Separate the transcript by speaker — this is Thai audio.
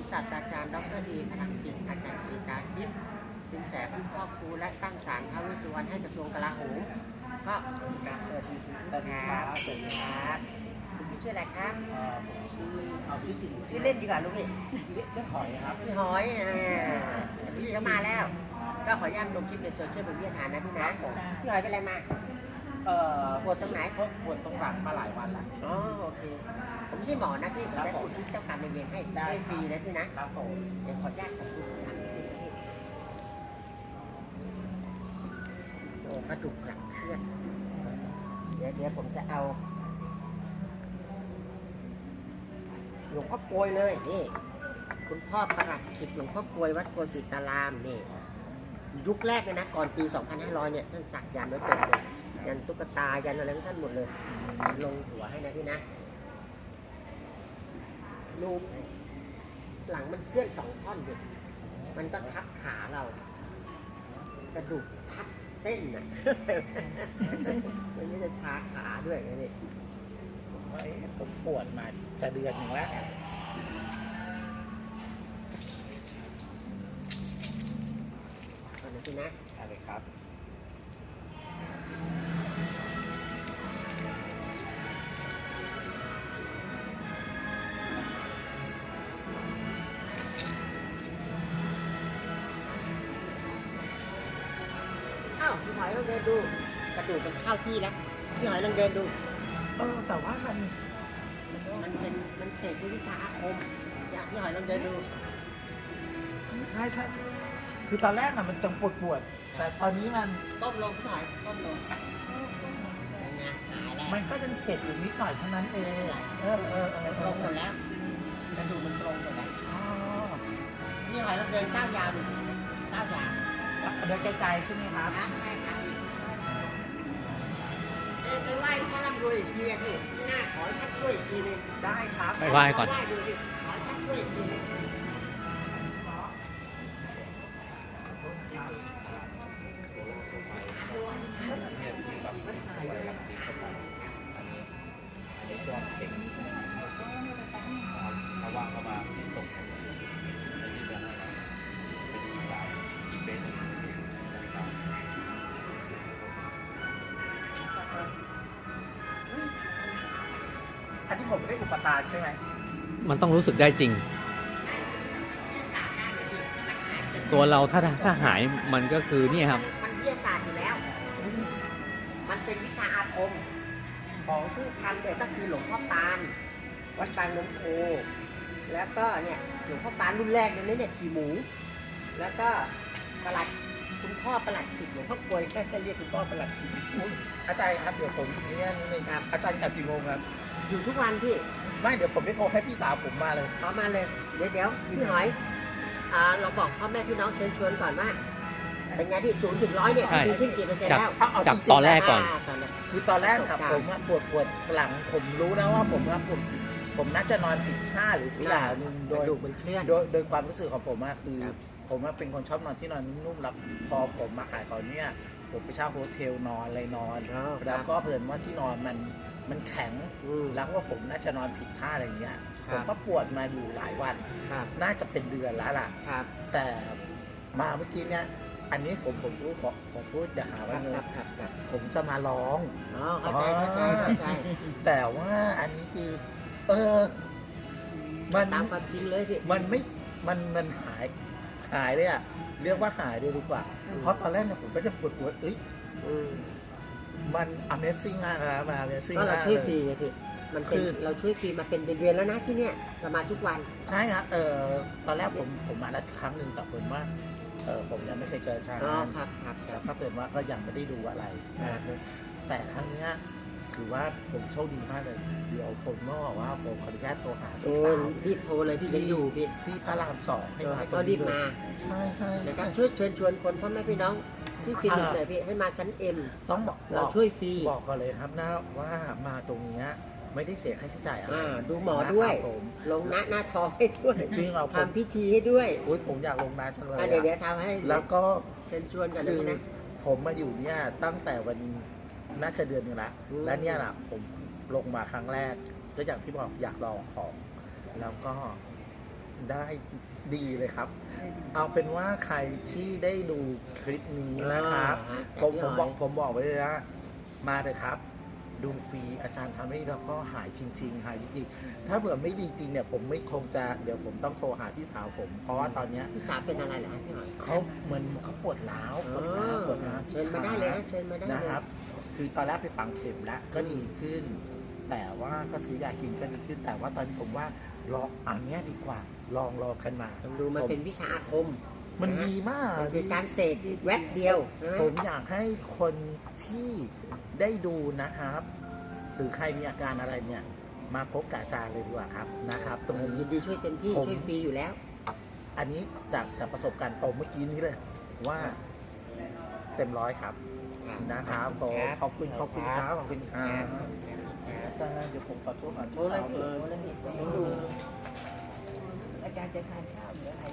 Speaker 1: ศาสตราจารย์ดร.เอพลังจิตอาจารย์กฤษดาทิพย์สินแสผู้ครอบครูและตั้งศาลท้าวเวสสุวรรณให้กระทรวงกลาโหมก็สวัสดีครับสวัสดีครับคุณพี่ชื่ออะไรครับ
Speaker 2: ผมชื่อจริง
Speaker 1: ชื่อเล่นดีกว่าลูกพี่
Speaker 2: เรียกหอยครับ
Speaker 1: พี่หอยพี่ก็มาแล้ว ก็ขออนุญาตลงคลิปในโซเชียลเป็นวิทยาทานนะพี่นะพี่หอยเป็นอะไรมาปวดตรงไหน
Speaker 2: ปวดตรงหลังมาหลายวันแล้ว
Speaker 1: อ๋อโอเคผมไม่ใช่หมอนะพี่ผมได้อุทิศเจ้ากรรมนายเวรให้ฟรีนะพี่นะครับ
Speaker 2: ผม
Speaker 1: เดี๋ยวขออนุญาตของคุณทำนิดนึงนะพี่โอ้กระดูกหลังเคลื่อนเดี๋ยวผมจะเอาหลวงพ่อโกยเลยนี่คุณพ่อประหลัดขิกหลวงพ่อโกยวัดโกสิตารามนี่ยุคแรกเลยนะก่อนปี 2500 เนี่ยท่านสักยันต์ไว้เต็มเลยยันตุ๊กตายันอะไรของท่านหมดเลยลงหัวให้นะพี่นะรูปหลังมันเคลื่อน2 ท่อนอยู่มันก็ทับขาเรากระดูกทับเส้นน่ะ มันไม่จะชาขาด้วยไงนี่
Speaker 2: ผมปวดมาจะเดือนหนึ่งแล้ว
Speaker 1: ตอนนี้พี่นะ
Speaker 2: อะไรครับ
Speaker 1: อ้าวพี่หอยลองเดินดูกระดูกมันเข้าที่แล้วพี่หอยลองเดินดู
Speaker 2: แต่ว่ามัน
Speaker 1: มันเสกด้วยวิชาอาคมอยากพี่หอยลองเดินดู
Speaker 2: ใช่คือตอนแรกน่ะมันจังปวดแต่ตอนนี้มัน
Speaker 1: ก้มลงพี่หอยก้มลงเป็นไงหายแล้ว
Speaker 2: มันก็ยังเจ็บอยู่นิดหน่อยเท่านั้นเอง
Speaker 1: ตรงหมดแล้วกระดูกมันตรงหมดแล้ว
Speaker 2: อ๋อ
Speaker 1: พี่หอยลองเดินก้าวยาวดูก้าวยาว
Speaker 2: เดินไกลๆใช่ไหมครับ
Speaker 1: นะใช่ครับพี่ไปไหว้พ่อร่ำรวยอีกทีอะพี่หน้าขอให้ท่านช่วยอีกทีนึง
Speaker 2: ได้ครับ
Speaker 3: ไปไหว้ก่อน
Speaker 1: ไหว้ดูดิขอให้ท่านช่วยอีกทีนึง
Speaker 4: ถ้าว่างเข้ามาที่ส่งให้ผมในที่จะให้เป็นอีกแบบอีกเบสหนึ่งนะครับ
Speaker 2: อันนี้ผมไม่ได้อุปทานใช่ไหม
Speaker 3: มันต้องรู้สึกได้จริง ตัวเราถ้าหายมันก็คือเนี่ยครับ
Speaker 1: มันวิทยาศาสตร์อยู่แล้ว มันเป็นวิชาอาคม ของชื่อทำเนี่ยก็คือหลวงพ่อปานวัดบางน้ำโพแล้วก็เนี่ยหลวงพ่อปานรุ่นแรกเลยเนี่ยขี่หมู แล้วก็ประหลัดคุณพ่อประหลัดขิดหลวงพ่อกลวยแค่เรียกคุณพ่อประหลัดขิด
Speaker 2: อาจารย์ครับเดี๋ยวผมเนี่ยนิดนึงครับอาจารย์กลับกี่โมงครับ
Speaker 1: อยู่ทุกวันพี่
Speaker 2: ไม่เดี๋ยวผมจะโทรให้พี่สาวผมมาเลย
Speaker 1: พร้อมมาเลย เดี๋ยวพี่หอยเราบอกพ่อแม่พี่น้องเชิญชวนก่อนว่าเป็นไงพี่0 ถึง 100เนี่ย
Speaker 3: ใช่
Speaker 1: ดีขึ้นกี่เปอร์เซ็นต์แล้ว
Speaker 3: จากตอนแรกก่อน
Speaker 1: ตอนแรก
Speaker 2: คือตอนแรกครับผมอะปวดหลังผมรู้นะว่าผมน่าจะนอนผิดท่าหรือสิลาหนึ่ง
Speaker 1: ก
Speaker 2: โด
Speaker 1: ระ
Speaker 2: ย
Speaker 1: ดูกมันเคลื่อน
Speaker 2: โดยความรู้สึกของผมอะคือ
Speaker 1: ครับ
Speaker 2: ผมอะเป็นคนชอบนอนที่นอนนุ่มๆแล้วพอผมมาขายของเนี่ยผมไปเช่าโฮเทลนอนอะไรนอน แล้วก็เพิ่นว่าที่นอนมันแข็ง แล้วว่าผมน่าจะนอนผิดท่าอะไรเงี้ย
Speaker 1: ค
Speaker 2: ผ
Speaker 1: รับ
Speaker 2: มก็ปวดมาอยู่หลายวัน
Speaker 1: ครับ
Speaker 2: น่าจะเป็นเดือนแล้วล่ะ
Speaker 1: ครับ
Speaker 2: แต่มาเมื่อกี้เนี่ยอันนี้ผมรู้ผมพูดอย่าหา
Speaker 1: ค
Speaker 2: ว่า
Speaker 1: รับ
Speaker 2: เงิ
Speaker 1: ครั
Speaker 2: น
Speaker 1: บครับครับ
Speaker 2: ผมจะมาร้อง
Speaker 1: อ๋อเข้าใจ
Speaker 2: แต่ว่าอันนี้คือ มัน
Speaker 1: ตามความจริงเลยพี่
Speaker 2: มันไม่มันหายเลยอ่ะเรียกว่าหายเลยดีกว่า เพราะตอนแรกเนี่ยผมก็จะปวดเอ้ย
Speaker 1: อืม
Speaker 2: มัน Amazing มากครับมัน Amazing
Speaker 1: ก็เรา
Speaker 2: มาก
Speaker 1: ช่วย
Speaker 2: เล
Speaker 1: ฟรี
Speaker 2: ย
Speaker 1: ไงพี่มันเป็น
Speaker 2: คือ
Speaker 1: เราช่วยฟรีมาเป็นเดือนๆแล้วนะที่เนี่ยเรามาทุกวัน
Speaker 2: ใช่ครับตอนแรกผมมาแล้วครั้งหนึ่งแต่ผมว่าผมยังไม่เคยเจอชา
Speaker 1: อ๋อ
Speaker 2: ญ
Speaker 1: ครับครับค
Speaker 2: แล้
Speaker 1: รั
Speaker 2: ว
Speaker 1: บ
Speaker 2: ก็เปิดว่าก็ยังไม่ได้ดูอะไร แต่ครั้งเนี้ยถือว่าผมโชคดีมากเลย เดี๋ยวผมก็บอกว่าผมขออนุญาตโทรหา
Speaker 1: โอ้
Speaker 2: พี่สาว
Speaker 1: รีบโทรเลยพี่ยังอยู่พี่
Speaker 2: ที่พระรามสองให้มา
Speaker 1: ก็รีบมา
Speaker 2: ใช่ใช่
Speaker 1: นะครับช่วยเชิญชวนคนพ่อแม่พี่น้องที่คลินิกหน่อยพี่ให้มาชั้น M
Speaker 2: ต้องบอก
Speaker 1: เราช่วยฟรี
Speaker 2: บอกก่อนเลยครับนะว่ามาตรงเนี้ยไม่ได้เสียค่าใช้จ่ายอะไร
Speaker 1: ดูหมอด้วย
Speaker 2: นะครับผม
Speaker 1: ลงหน้าท้องให้ด้วย
Speaker 2: จริงเหรอผม
Speaker 1: ทำพิธีให้ด้วย
Speaker 2: อุ๊ยผมอยากลงนาจังเลย
Speaker 1: เดี๋ยว
Speaker 2: อะ
Speaker 1: ทำให้
Speaker 2: แล้วก็
Speaker 1: เชิญชวนกัน
Speaker 2: คื
Speaker 1: นะ
Speaker 2: อ
Speaker 1: นะ
Speaker 2: ผมมาอยู่เนี่ยตั้งแต่วันน่าจะเดือนหนึงละ
Speaker 1: อืม
Speaker 2: และเนี่ยแหละผมลงมาครั้งแรกก็อย่างที่บอกอยากลองของแล้วก็ได้ดีเลยครับ เอาเป็นว่าใครที่ได้ดูคลิปนี้นะครับ ผมบอกไว้เลยนะมาเลยครับ ดูฟรีอาจารย์ทำให้แล้วก็หายจริงๆหายจริงๆถ้าเผื่อไม่ดีจริงเนี่ยผมไม่คงจะเดี๋ยวผมต้องโทรหาพี่สาวผม เพราะว่าตอนเนี้ย
Speaker 1: พี่สาวเป็นอะไรเหรอฮะพี่หอย
Speaker 2: เขาเหมือนเขาปวดร้าวปวดร้าว
Speaker 1: เชิญมาได้เลยฮะเชิญมาได้เลย
Speaker 2: นะครับ คือตอนแรกไปฝังเข็มแล้วก็ดีขึ้น แต่ว่าก็ซื้อยากินก็ดีขึ้น แต่ว่าตอนนี้ผมว่าลองอันเนี้ยดีกว่าลองกันมา
Speaker 1: ต้องดูมันเป็นวิชาอาคม
Speaker 2: มันดีมาก
Speaker 1: มันคือการเสกแวบเดียวใช่ไหม
Speaker 2: ผมอยากให้คนที่ได้ดูนะครับ หรือใครมีอาการอะไรเนี่ย มาพบกับอาจารย์เลยดีกว่าครับนะครับ ตรง
Speaker 1: ผม
Speaker 2: นี้
Speaker 1: ยินดีช่วยเต็มที่
Speaker 2: ผม
Speaker 1: ช่วยฟรีอยู่แล้ว
Speaker 2: อันนี้จากประสบการณ์ตรงเมื่อกี้นี้เลยว่าเต็มร้อยครับนะครับผมขอบคุณครับขอบคุณครับอาจารย์เดี๋ยวผมขอโทษ
Speaker 1: โทรเลยพี่โทรเลยพี่ผมดูอาจารย์จะทานข้าวหรืออะไร